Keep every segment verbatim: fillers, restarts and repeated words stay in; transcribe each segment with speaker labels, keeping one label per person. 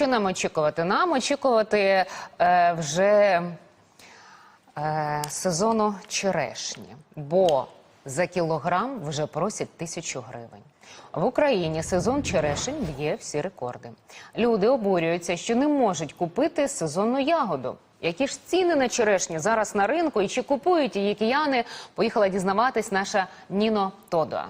Speaker 1: що нам очікувати? Нам очікувати е, вже е, сезону черешні, бо за кілограм вже просять тисячу гривень. В Україні сезон черешень б'є всі рекорди. Люди обурюються, що не можуть купити сезонну ягоду. Які ж ціни на черешню зараз на ринку і чи купують її кияни, поїхала дізнаватись наша Ніно Тодуа.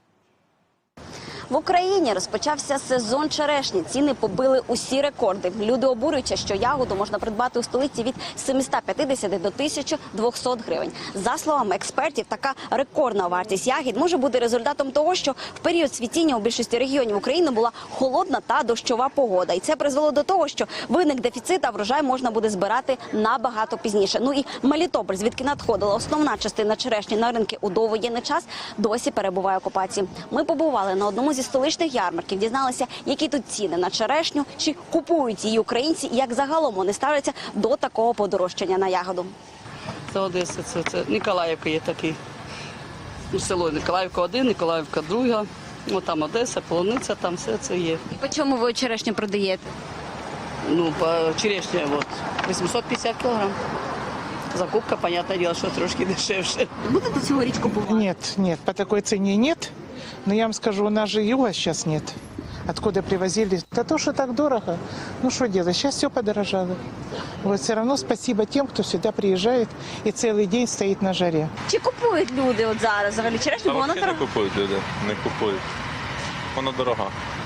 Speaker 2: В Україні розпочався сезон черешні. Ціни побили усі рекорди. Люди обурюються, що ягоду можна придбати у столиці від сімсот п'ятдесят до тисячі двохсот гривень. За словами експертів, така рекордна вартість ягід може бути результатом того, що в період цвітіння у більшості регіонів України була холодна та дощова погода. І це призвело до того, що виник дефіцит, а врожай можна буде збирати набагато пізніше. Ну і Мелітополь, звідки надходила основна частина черешні на ринки у довоєнний час, досі перебуває в окупації. Ми побували на одному зі столичних ярмарків, дізналися, які тут ціни на черешню, чи купують її українці, і як загалом вони ставляться до такого подорожчання на ягоду.
Speaker 3: Це Одеса, це, це Ніколаївка є такий. Ну, село Ніколаївка один, Ніколаївка друга. Ну, там Одеса, Полуниця, там все це є.
Speaker 2: І по чому ви черешню продаєте?
Speaker 3: Ну, по черешня, от, вісімсот п'ятдесят кілограм. Закупка, понятное дело, що трошки дешевше.
Speaker 2: Будете цьогоріч купувати?
Speaker 4: Нет, нет, по такой цене нет. Но я вам скажу, у нас же юга сейчас нет. Откуда привозили? Да то, что так дорого. Ну что делать, сейчас все подорожало. Вот все равно спасибо тем, кто сюда приезжает и целый день стоит на жаре.
Speaker 2: Чи купують люди от зараз взагалі черешню?
Speaker 5: Та
Speaker 2: Бо вона
Speaker 5: взагалі не
Speaker 2: дорога.
Speaker 5: купують люди, не купують. Вона дорога.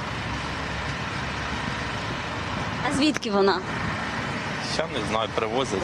Speaker 2: А звідки вона?
Speaker 5: Я не знаю, привозять.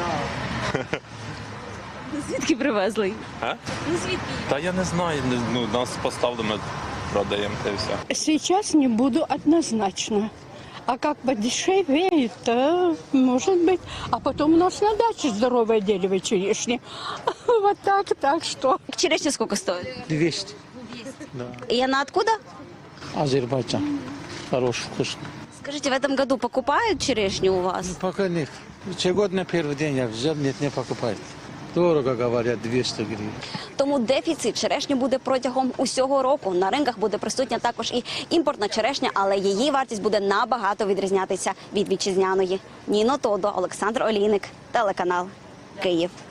Speaker 2: Звідки привезли?
Speaker 5: А?
Speaker 2: Ну звідки?
Speaker 5: Та я не знаю, не- ну, нас поставили, ми продаємо та й все.
Speaker 6: Сейчас не буду однозначно. А как подешевеет, то может быть. А потом у нас на даче здоровое дерево черешни. Вот так, так что.
Speaker 2: Черешня скільки стоїть?
Speaker 7: двести.
Speaker 2: И она откуда?
Speaker 7: Азербайджан. Хороший, вкусный.
Speaker 2: Скажите, в этом году покупают черешню у вас?
Speaker 7: Пока нет. Год на первый день я взял, нет, не покупает. Дорого, говорят, двести гривен.
Speaker 2: Тому дефіцит черешні буде протягом усього року. На ринках буде присутня також і імпортна черешня, але її вартість буде набагато відрізнятися від вітчизняної. Ніно Тодуа, Олександр Олійник, телеканал Київ.